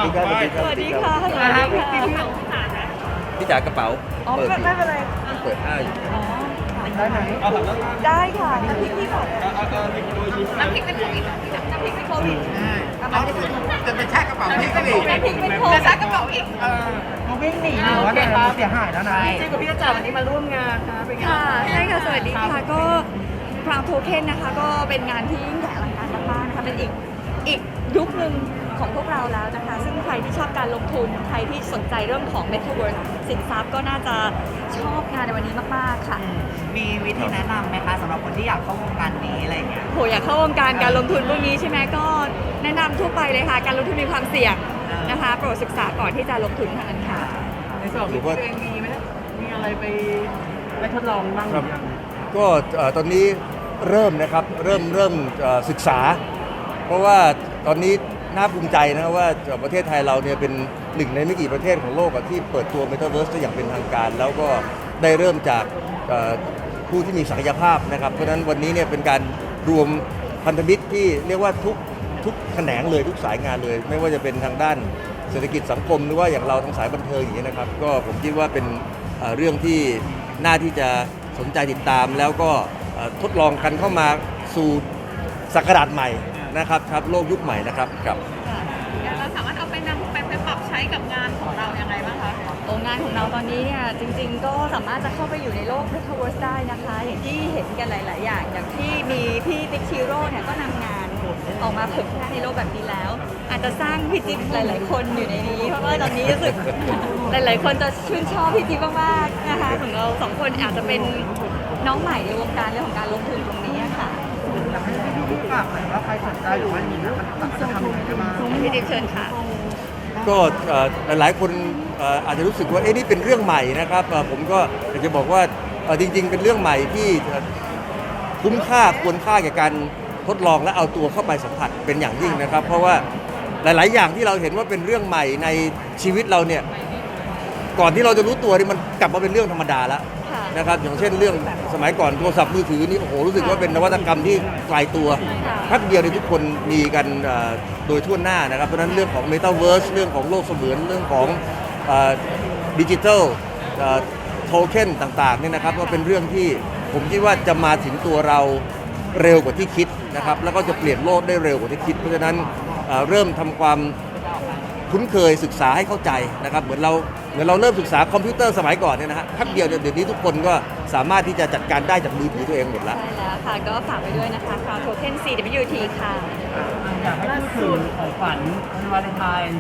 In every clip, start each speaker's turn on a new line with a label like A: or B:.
A: ดีครับ
B: สวัสดีค่ะ สวัสดีค่ะ
A: พี่จ๋ากระเป๋า
B: อ๋อไม่เป็นไร
A: เปิดอ้าอยู่
B: อ๋อได้ไหมได้ค่ะน้ำพริกพี่ก่อนน้ำพริกเป็นโควิดน้ำพริกเป็นโควิด
C: จะไปแช่กระเป๋าพี่ก็ดี
B: น้ำพริกเป็นโควิดจะซักกระเป๋าอีก
C: เขาวิ่งหนีหรือว่าเดินเสียหายแล้วนะ
B: จริงกับพี่จ๋าวันนี้มาร่วมงานนะเป็นไงค่ะใช่ค่ะสวัสดีค่ะก็พราวโทเค็นนะคะก็เป็นงานที่ยิ่งใหญ่อลังการมากๆนะคะเป็นอีกยุคหนึ่งของพวกเราแล้วนะคะซึ่งใครที่ชอบการลงทุนใครที่สนใจเรื่องของ Metaverse สินทรัพย์ก็น่าจะชอบงานในวันนี้มากๆค่ะ
D: มีวิธีแนะนำไหมคะสำหรับคนที่อยากเข้าวงการนี้อะไรอย่างเงี้ย
B: โหอยากเข้าวงการการลงทุนพวกนี้ใช่ไหมก็แนะนำทั่วไปเลยค่ะการลงทุนมีความเสี่ยงนะคะโปรดศึกษาก่อนที่จะลงทุนเท่านั้นค่ะ
C: ในส่วนของตัวเองมีไหมมีอะไรไปทดลองบ้าง
A: ครับก็ตอนนี้เริ่มนะครับเริ่มศึกษา เพราะว่าตอนนี้น่าภูมิใจนะว่าประเทศไทยเราเนี่ยเป็นหนึ่งในไม่กี่ประเทศของโลกที่เปิดตัว Metaverse ได้อย่างเป็นทางการ แล้วก็ได้เริ่มจากผู้ที่มีศักยภาพนะครับเพราะฉะนั้นวันนี้เนี่ยเป็นการรวมพันธมิตรที่เรียกว่าทุกแขนงเลยทุกสายงานเลย ไม่ว่าจะเป็นทางด้านเศรษฐกิจสังคมหรือว่าอย่างเราทางสายบันเทิงอย่างนี้ยนะครับก็ผมคิดว่าเป็นเรื่องที่น่าที่จะสนใจติดตาม แล้วก็ทดลองกันเข้ามาสู่ศักราชใหม่นะครับโลกยุคใหม่นะครับกับ
E: เราสามารถเอาไปนำไปปรับใช้กับงานของเรายังไงบ้างคะ
B: โองานของเราตอนนี้เนี่ยจริงๆก็สามารถจะเข้าไปอยู่ในโลก Metaverse ได้นะคะ อย่างที่เห็นกันหลาย ๆ อย่างอย่างที่มีพี่ติ๊กชิโร่เนี่ยก็นำงานออกมาเผยแพร่ในโลกแบบนี้แล้ว อาจจะสร้างพี่จิ๊บหลาย ๆ คนอยู่ในนี้ เพราะว่าตอนนี้รู้สึก หลาย ๆ คนจะชื่นชอบพี่จิ๊บมากๆนะคะของเราสองคนอาจจะเป็นน้องใหม่ในวงการเรื่องของการลงทุนตรงนี้ค่ะ
C: อยากให้พี่ฝากหน่อยว่าใครสนใจหรือว่าอย่างนี้นะมันจะทำยังไงได้บ้าง
B: พี่จิ๊บเชิญค่ะ
A: ก็หลายๆคนอาจจะรู้สึกว่านี่เป็นเรื่องใหม่นะครับผมก็อยากจะบอกว่าจริงๆเป็นเรื่องใหม่ที่คุ้มค่าควรค่าแก่การทดลองและเอาตัวเข้าไปสัมผัสเป็นอย่างยิ่งนะครับ เพราะว่าหลายๆอย่างที่เราเห็นว่าเป็นเรื่องใหม่ในชีวิตเราเนี่ยก่อนที่เราจะรู้ตัวนี่มันกลับมาเป็นเรื่องธรรมดาแล้ว
B: ค่ะ
A: นะครับอย่างเช่นเรื่องสมัยก่อนโทรศัพท์มือถือนี่โอ้โหรู้สึกว่าเป็นนวัตกรรมที่ไกลตัว
B: ค่ะ
A: แป๊บเดียวในยทุกคนมีกันโดยทั่วหน้านะครับเพราะฉะนั้นเรื่องของ Metaverse เรื่องของโลกเสมือนเรื่องของดิจิทัลโทเค็นต่างๆเนี่ยนะครับก็เป็นเรื่องที่ผมคิดว่าจะมาถึงตัวเราเร็วกว่าที่คิดนะครับแล้วก็จะเปลี่ยนโลกได้เร็วกว่าที่คิด เพราะฉะนั้นเริ่มทำความคุ้นเคยศึกษาให้เข้าใจนะครับเหมือนเราเริ่มศึกษาคอมพิวเตอร์สมัยก่อนเนี่ยนะฮะแป๊บเดียวเดี๋ยวนี้ทุกคนก็สามารถที่จะจัดการได้จากมือถือตัวเองหมดแล้ว
B: ใช่แล้วค่ะ ก็ฝากไปด้วยนะคะ Crown Token CWT ค่ะ
C: อยากให้พูดถึงของขวัญวันวาเลนไทน์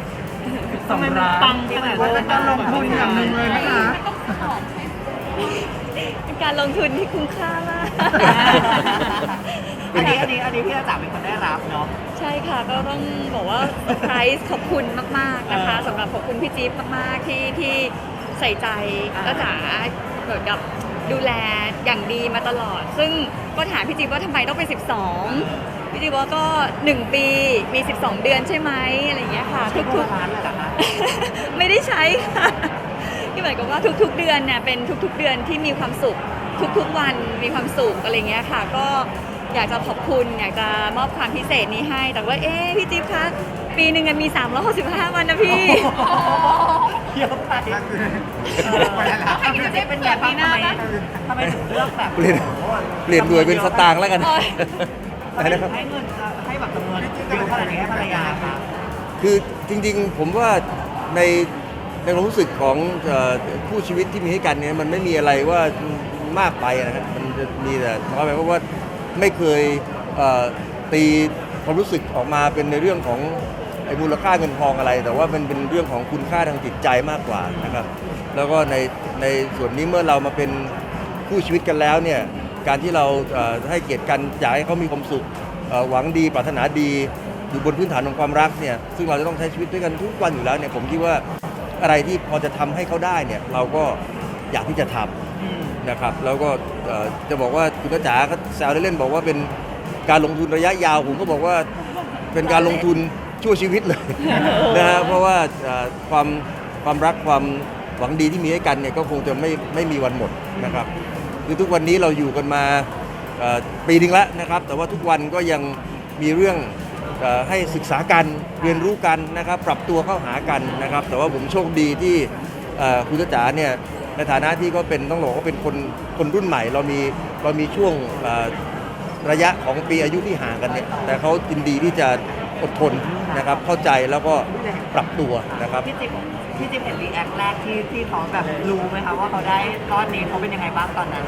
C: 12 ล้าน
E: ปังขนาดนั้น
C: ว่าเป็นการลงทุนอย่างหนึ่งเลยนะคะ
B: เป็นการลงทุนที่คุ้มค่ามาก
D: อันนี้พี่จ๋าเป็นคนได้รับเนาะ
B: ใช่ค่ะ ก็ต้องบอกว่าเซอร์ไพรส์ขอบคุณมาก ๆ นะคะสำหรับขอบคุณพี่จิ๊บมาก ๆ ที่ใส่ใจก็จ๋าเหมือนกับดูแลอย่างดีมาตลอด ซึ่งก็ถามพี่จิ๊บว่าทำไมต้องเป็น 12 พี่จิ๊บว่าก็ 1 ปีมี 12 เดือนใช่ไหมอะไรอย่างเงี้ยค่ะ ทุก
D: ร้านเลยเหรอคะ
B: ๆ ไม่ได้ใช้ค่ะที่หมายความว่าทุกๆ เดือนเนี่ยเป็นทุกๆ เดือนที่มีความสุข ทุกๆ วันมีความสุขอะไรเงี้ยค่ะ ก็อยากจะขอบคุณอยากจะมอบความพิเศษนี้ให้ แต่ว่าพี่จิ๊บคะปีหนึ่งมันมี365 วันนะพี่
D: เยอะไป
E: ใครจะได้เป็นแบบนี้หน้าปะ
D: ทำไมถึงเลือกแบบ
A: เปลี่ยนหน่วยเป็นสตางค์แล้วกัน
B: โอ๊ย
D: ทำไมถึงให้เงินให้แบบจำนวนเยอะขนาดนี้ให้ภรรยาคะ
A: คือจริงๆผมว่าในความรู้สึกของคู่ชีวิตที่มีให้กันเนี่ยมันไม่มีอะไรว่ามากไปนะครับมันจะมีแต่น้อยไปเพราะว่าไม่เคยตีความรู้สึกออกมาเป็นในเรื่องของไอ้มูลค่าเงินทองอะไร แต่ว่ามันเป็นเรื่องของคุณค่าทางจิตใจมากกว่านะครับแล้วก็ในส่วนนี้เมื่อเรามาเป็นคู่ชีวิตกันแล้วเนี่ยการที่เราให้เกียรติกันอยากให้เขามีความสุขหวังดีปรารถนาดีอยู่บนพื้นฐานของความรักเนี่ยซึ่งเราจะต้องใช้ชีวิตด้วยกันทุกวันอยู่แล้วเนี่ยผมคิดว่าอะไรที่พอจะทำให้เขาได้เนี่ยเราก็อยากที่จะทำนะครับแล้วก็จะบอกว่าคุณจ๋าก็แซวเล่นๆบอกว่าเป็นการลงทุนระยะยาวผมก็บอกว่าเป็นการลงทุนชั่วชีวิตเลย นะฮะเพราะว่าความรักความหวังดีที่มีให้กันเนี่ยก็คงจะไม่มีวันหมดนะครับคือทุกวันนี้เราอยู่กันมาปีนึงแล้วนะครับแต่ว่าทุกวันก็ยังมีเรื่องให้ศึกษากันเรียนรู้กันนะครับปรับตัวเข้าหากันนะครับแต่ว่าผมโชคดีที่คุณจ๋าเนี่ยในฐานะที่ก็เป็นต้องบอกว่าเป็นคนรุ่นใหม่เรามีช่วงระยะของปีอายุที่ห่างกันเนี่ยแต่เขายินดีที่จะอดทนนะครับเข้าใจแล้วก็ปรับตัวนะครับ
D: พี่จิ๊บเห็นรีแอคแรกที่เขาแบบรู้ไหมคะว่าเขาได้ก้อนนี้เขาเป็นยังไงบ้างตอนนั้น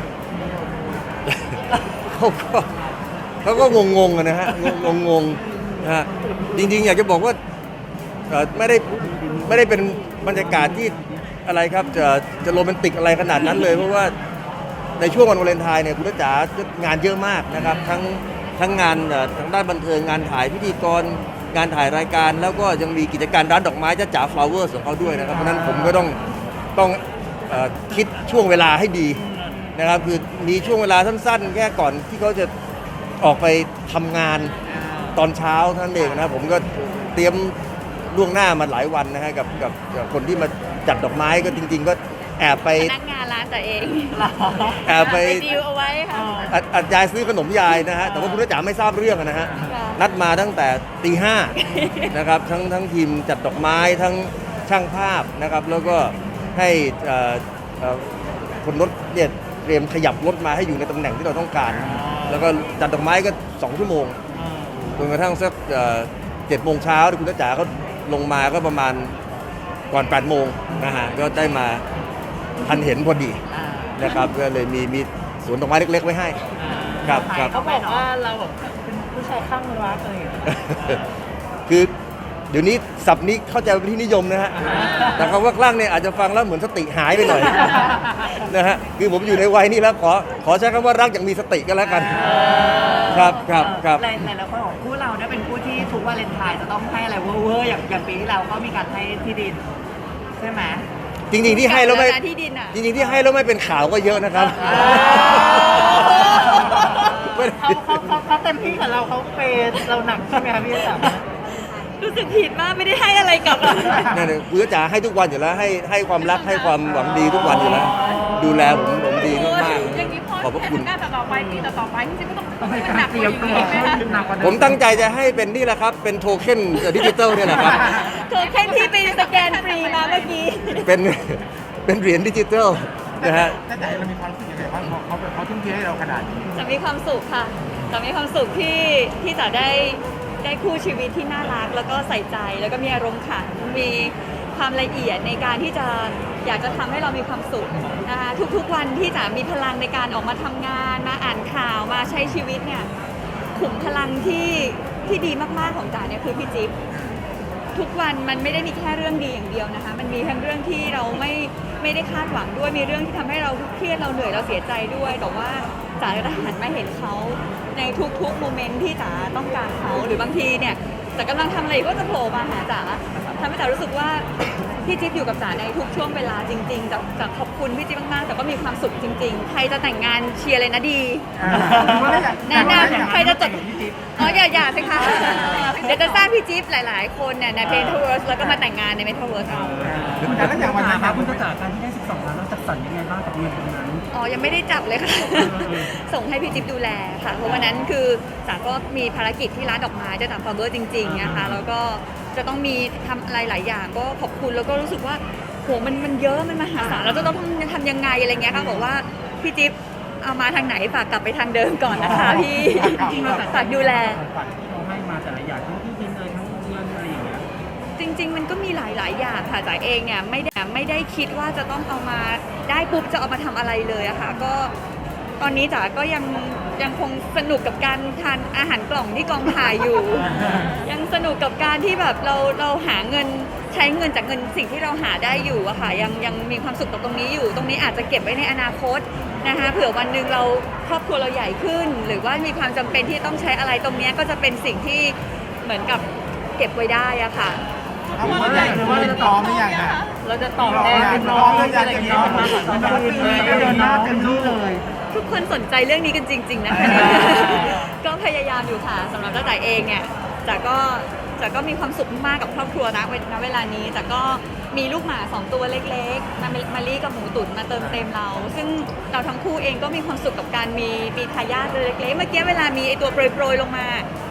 A: เขาก็งงๆอะนะฮะงงๆนะฮะจริงๆอยากจะบอกว่าไม่ได้เป็นบรรยากาศที่อะไรครับจะโรแมนติกอะไรขนาดนั้นเลยเพราะว่าในช่วงวันวาเลนไทน์เนี่ยคุณจ๋างานเยอะมากนะครับทั้งงานทางด้านบันเทิงงานถ่ายพิธีกรงานถ่ายรายการ แล้วก็ยังมีกิจการร้านดอกไม้จ๋าฟลาวเวอร์ของเขาด้วยนะครับเพราะฉะนั้นผมก็ต้องคิดช่วงเวลาให้ดีนะครับคือมีช่วงเวลาสั้นๆแค่ก่อนที่เขาจะออกไปทำงานตอนเช้าเท่านั้นเองนะผมก็เตรียมล่วงหน้ามาหลายวันนะฮะกับคนที่มาจัดดอกไม้ก็จริงๆก็แอบไป
B: พนักงานร้านแต่เอง
A: แอบไป
B: ดีลเอาไว้ค่ะ
A: อัดยายซื้อขนมยายนะฮะแต่ว่าคุณจ๋าไม่ทราบเรื่องนะฮะ
B: ค่ะ
A: นัดมาตั้งแต่ตีห้านะครับทั้งทีมจัดดอกไม้ทั้งช่างภาพนะครับแล้วก็ให้คนรถเนี่ยเตรียมขยับรถมาให้อยู่ในตำแหน่งที่เราต้องการ แล้วก็จัดดอกไม้ก็2 ชั่วโมงจนกระทั่งสัก7 โมงเช้าคุณจ๋าเขาลงมาก็ประมาณก่อน8 โมงนะฮะก็ได้มาทันเห็นพอดีนะครับก็เลยมีสวนดอกไม้เล็กๆไว้ให้ครับ
D: เขาบอกว่าเราแบบเป็นผู้ชายข้างรักอะไรอย่างเงี้ย
A: คือเดี๋ยวนี้ศัพท์นี้เข้าใจเป็นที่นิยมนะฮะแต่คำว่าคลั่งเนี่ยอาจจะฟังแล้วเหมือนสติหายไปหน่อยนะฮะคือผมอยู่ในวัยนี้แล้วขอใช้คำว่ารักอย่างมีสติก็แล้วกันครับ
D: หลายคนของคู่เราเนี่ยเป็นคู่ที่ทุกวาเลนไทน์จะต้องให้อะไรเวอร์ๆอย่างปีที่แล้วก็มีการให้ที่ดินใช่ไหม
A: จริงๆที่ให้แล้วไม่
B: ที่ดินอ่ะ
A: จริงๆที่ให้แล้วไม่เป็นข่าวก็เยอะนะครับ
D: เขาเต็มที่กับเราเขาเปย์เราหนักใช่ไหมคะพี่จ๋า
B: รู้สึกผิดมากไม่ได้ให้อะไรกลับ
A: นั่นเองคุณจ๋าให้ทุกวันอยู่แล้วให้ความรักให้ความหวังดีทุกวันอยู่แล้วดูแลผมดีมาก
E: อย่างนี้พอ
A: ๆขอบพระคุณ
E: งานต่อไปปีต่อไปที่จะต้องให้มันหนักกว่านี้ไหมคะ
A: ผมตั้งใจจะให้เป็นนี่แหละครับเป็นโทเค็นดิจิตอลเนี่ยแหละครับ
B: เธอแค่ที่ไปสแกนฟรีมาเมื่อกี้
A: เป็นเหรียญดิจิตอลนะฮะ
F: แต่เรามีความรู้สึกยังไงบ้างเขาทุ่มเทให้เราขนาดนี้
B: จะมีความสุขค่ะ จะมีความสุขที่จะได้คู่ชีวิตที่น่ารักแล้วก็ใส่ใจแล้วก็มีอารมณ์ขันมีความละเอียดในการที่จะอยากจะทำให้เรามีความสุขนะคะทุกๆวันที่จะมีพลังในการออกมาทำงานมาอ่านข่าวมาใช้ชีวิตเนี่ยขุมพลังที่ดีมากๆของจ๋าเนี่ยคือพี่จิ๊บทุกวันมันไม่ได้มีแค่เรื่องดีอย่างเดียวนะคะมันมีทั้งเรื่องที่เราไม่ได้คาดหวังด้วยมีเรื่องที่ทำให้เราเครียดเราเหนื่อยเราเสียใจด้วยแต่ว่าจ๋าจะหันมาเห็นเขาในทุกๆโมเมนต์ที่จ๋าต้องการเขาหรือบางทีเนี่ยจ๋ากำลังทำอะไรก็จะโผล่มาหาจ๋าทำให้จ๋ารู้สึกว่าพี่จิ๊บอยู่กับจ๋าในทุกช่วงเวลาจริงๆจ๋าขอบคุณพี่จิ๊บมากๆแต่ก็มีความสุขจริงๆใครจะแต่งงานเชียร์เลยนะดีแนะนำใครจะจดอย่าสิคะเดี๋ยวจะสร้างพี่จิ๊บหลายๆคนเนี่ยใน Metaverse แล้วก็มาแต่งงานใน Metaverse เอา
F: แต่แล้วอย่างวันนั้น
C: ครับคุณจ๋าการที่ได้12 ล้านเราจัดสรรยังไงบ้างกับเงินตรงนั้น
B: อ๋อยังไม่ได้จับเลยค่ะ ส่งให้พี่จิ๊บดูแลค่ะเพราะวันนั้นคือจ๋าก็มีภารกิจที่ร้านดอกไม้จะทำฟาร์เบอร์จริงๆนะคะแล้วก็จะต้องมีทำอะไรหลายอย่างก็ขอบคุณแล้วก็รู้สึกว่าโหมันเยอะมันมหาศาลเราจะต้องทำยังไงอะไรเงี้ยค่ะบอกว่าพี่จิ๊บเอามาทางไหนฝากกลับไปทางเดิมก่อนนะคะพี่ ฝากดูแล
C: ฝันที่เราให้มาแต่ละอย่างทั้งที่ดินเลยทั้งเงินอะไรอย่างเงี้ย
B: จริงๆมันก็มีหลายๆอย่างค่ะจ๋าเองเนี่ยไม่ได้คิดว่าจะต้องเอามาได้ปุ๊บจะเอามาทำอะไรเลยอะค่ะก็ตอนนี้จ๋าก็ยังคงสนุกกับการทานอาหารกล่องที่กองถ่ายอยู่ ยังสนุกกับการที่แบบเราหาเงินใช้เงินจากเงินสิ่งที่เราหาได้อยู่อะค่ะยังมีความสุขกับตรงนี้อยู่ ตรงนี้อาจจะเก็บไว้ในอนาคตนะคะเผื่อวันหนึ่งเราครอบครัวเราใหญ่ขึ้น หรือว่ามีความจำเป็นที่ต้องใช้อะไรตรงนี้ก็จะเป็นสิ่งที่เหมือนกับเก็บไว้ได้อะค่ะ
F: เอาว่าใหญ่หรือว่าจะต่อไม่อย่างน่ะ
D: เราจะตอบแทนเป็นน้องอะไรอย่างเงี้ยมาแบบตอนนี้ก็เดินหน้าเต็มที่เลย
B: ทุกคนสนใจเรื่องนี้กันจริง ๆ นะคะ ก็พยายามอยู่ค่ะสำหรับจ้าจ๋าเองเนี่ยจ๋าก็มีความสุขมากกับครอบครัวนะเวลานี้จ๋าก็มีลูกหมา2 ตัวเล็กๆมาลี่กับหมูตุ๋นมาเติมเต็มเรา ซึ่งเราทั้งคู่เองก็มีความสุขกับการมีทายาทตัวเล็กๆเมื่อกี้เวลามีไอตัวโปรยๆลงมา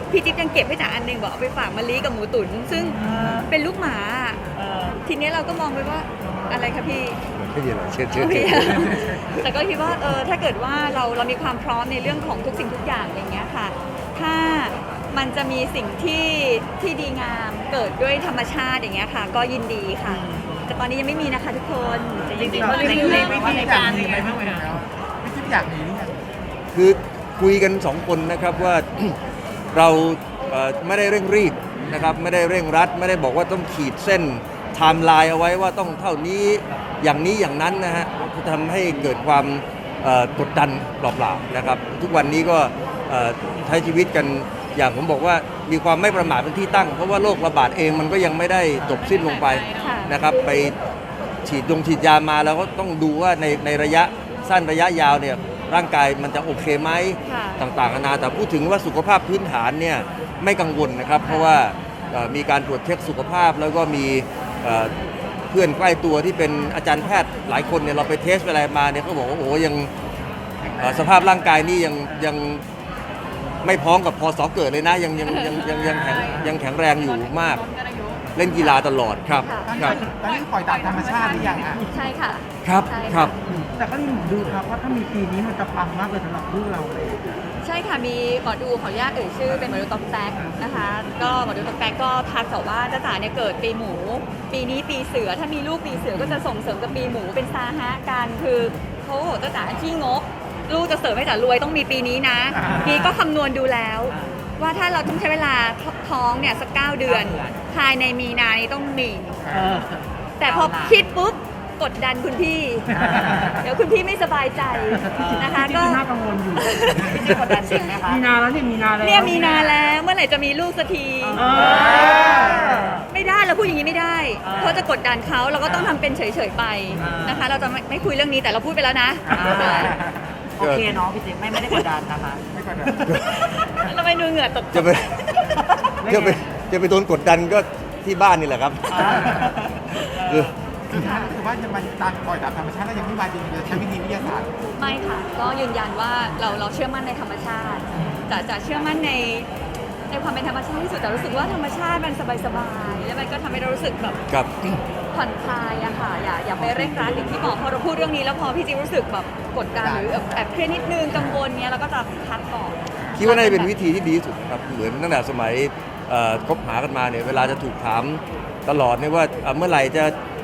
B: พี่จิ๊บยังเก็บให้จ๋าอันหนึงบอกเอาไปฝากมะลิกับหมูตุ๋นซึ่งเป็นลูกหมา ทีนี้เราก็มองไปว่าอะไรคะพี่
A: ไม่มีอะไรเชิญ
B: พี่ แต่ก็คิดว่าถ้าเกิดว่าเรามีความพร้อมในเรื่องของทุกสิ่งทุกอย่างอย่างเงี้ยค่ะ ถ้ามันจะมีสิ่งที่ดีงามเกิดด้วยธรรมชาติอย่างเงี้ยค่ะ ก็ยินดีค่ะ แต่ตอนนี้ยังไม่มีนะคะทุกคนแต่จริงๆ
D: ๆ
B: ก็
D: ใน
B: เรื่อย
D: วิธีการมีไหมบ้างไหมคะ
F: พี่จิ๊บอยากมีหรือยัง
A: คือคุยกันสองคนนะครับว่า เราไม่ได้เร่งรีบนะครับไม่ได้เร่งรัด ไม่ได้บอกว่าต้องขีดเส้นไทม์ไลน์เอาไว้ว่าต้องเท่านี้อย่างนี้อย่างนั้นนะฮะทำให้เกิดความกดดันเปล่าๆนะครับทุกวันนี้ก็ใช้ชีวิตกันอย่างผมบอกว่ามีความไม่ประมาทเป็นที่ตั้ง เพราะว่าโรคระบาดเองมันก็ยังไม่ได้จบสิ้นลงไปนะครับไปฉีดยามาแล้วก็ต้องดูว่าในระยะสั้นระยะยาวเนี่ยร่างกายมันจะโอเคไหม
B: ค่ะ
A: ต่างๆนานาแต่พูดถึงว่าสุขภาพพื้นฐานเนี่ยไม่กังวลนะครับ เพราะว่ามีการตรวจเช็คสุขภาพแล้วก็มีเพื่อนใกล้ตัวที่เป็นอาจารย์แพทย์หลายคนเนี่ยเราไปเทสอะไรมาเนี่ยเขาบอกว่าโอ้โหยังสภาพร่างกายนี่ยังไม่พร้อมกับพศเกิดเลยนะยังแข็งแรงอยู่มาก เล่นกีฬาตลอดครับ
B: ค่ะ
A: ครับ
F: ตอนนี้ปล่อยตามธรรมชาติหรือยังอ่ะ
B: ใช่ค่ะ
A: ครับ
B: ใช่ะ
A: ครับ
C: แต่ก็มีหมอดูครับว่าถ้ามีปีนี้มันจะปังมากเลยสำหรับลูกเราเลย
B: ใช่ค่ะมีหมอดูขออนุญาตเอ่ยชื่อเป็นหมอดูต๊อกแต๊กนะคะก็หมอดูต๊อกแต๊กก็ทักบอกว่าจ้าจ๋าเนี่ยเกิดปีหมู ปีนี้ปีเสือถ้ามีลูกปีเสือก็จะส่งเสริมกับปีหมูเป็นซาฮะกันคือเขาบอกจ้าจ๋าขี้งกลูกจะเสริมให้จ๋ารวยต้องมีปีนี้นะปีก็คำนวณดูแล้ว ว่าถ้าเราต้องใช้เวลาท้องเนี่ยสัก9 เดือน ภายในมีนานี้ต้องมี แต่พอคิดปุ๊บกดดันคุณพี่ เดี๋ยวคุณพี่ไม่สบายใจนะคะก็
C: น่ากังวลอยู่
D: พี่จิ๊บกดดันจริงไหมคะ
C: มีนาแล้วนี่มีนาแล้ว
B: เนี่ยมีนาแล้วเมื่อไหร่จะมีลูกสักที
C: เออ
B: ไม่ได้เราพูดอย่างนี้ไม่ได้เพราะจะกดดันเขาเราก็ต้องทำเป็นเฉยๆไปนะคะ เราจะไม่คุยเรื่องนี้แต่เราพูดไปแล้วนะ
D: โอเคเนาะพี่จิ๊บไม่ได้กดดันนะคะ
F: ไม่กดดัน
B: เราไม่ดูเหงื่อตก
A: จะไปจะไปโดนกดดันก็ที่บ้านนี่แหละครับคือ
F: คือถ้ารู้สึกว่าจะมาตามปล่อยตามธรรมชาติแล้วยังไม่มาจริงๆจะใช้วิธีวิทยาศาสตร์
B: ไม่ค่ะ ก็ยืนยันว่าเราเชื่อมั่นในธรรมชาติจะเชื่อมั่นในความเป็นธรรมชาติที่สุดแต่รู้สึกว่าธรรมชาติมันสบายๆแล้วมันก็ทำให้เรารู้สึกแบบ
A: ครับ
B: ผ่อนคลายอะค่ะอย่าไปเร่งรัดอย่างที่บอกพอเราพูดเรื่องนี้แล้วพอพี่จิ๊บรู้สึกแบบกดดันหรือแอบเครียดนิดนึงกังวลเนี้ยเราก็จะพักก่อน
A: คิดว่าน่าจะเป็นวิธีที่ดีที่สุดครับเหมือนตั้งแต่สมัยคบหากันมาเนี่ยเวลาจะถูกถามตลอดเนี่ยว่าเมื่อไหร่จะ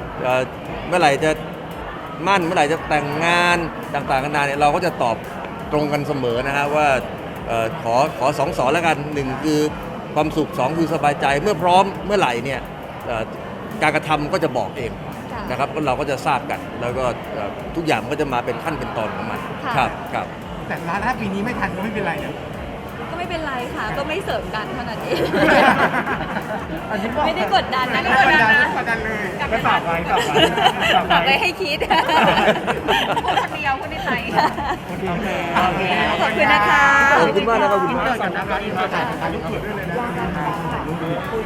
A: มั่นเมื่อไหร่จะแต่งงานต่างๆกันานาเนี่ยเราก็จะตอบตรงกันเสมอนะฮะว่าขอ2 สอนแล้วกัน1คือความสุข2คือสบายใจเมื่อพร้อมเมื่อไหร่เนี่ยการกระทำก็จะบอกเอง
B: ค่ะ
A: นะครับแล้วเราก็จะทราบกันแล้วก็ทุกอย่างมันก็จะมาเป็นขั้นเป็นตอนของมัน
B: ค่ะ
A: ครับ
F: แต่ถ้าปีนี้ไม่ทันก็ไม่เป็นไรเนี่ย
B: ก็ไม่เป็นไรค่ะ ก็ไม่เสริมกันเท่านั้นเอง
C: อันนี้ก็
B: ไม่ได้กดดันนะ
F: ไม่
B: ไม่
F: ก
B: ก
F: ด
B: ด
F: ดั
B: ดั
F: น
B: นนะ
F: ไม่กดดันเลย
C: ก็ฝากไว้
B: ฝากไว้ให้คิด
E: พูดคนเดียวพูดในใจ
C: โอเค
B: ขอบคุณนะคะ
A: ขอบคุณมากนะครับขอบคุณ
F: อิน
A: มาก
F: เตอร์ก่อนนะครับอินเตอร์ก่อนถ่ายรูปเผื่อด้วยเลยนะ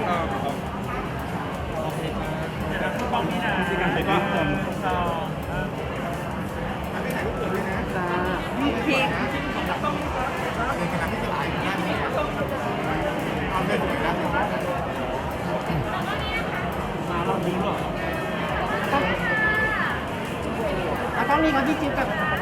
B: พี่
F: เอาเลยถูกแล้ว
C: ต้องมีคนที่จิ๊บกับ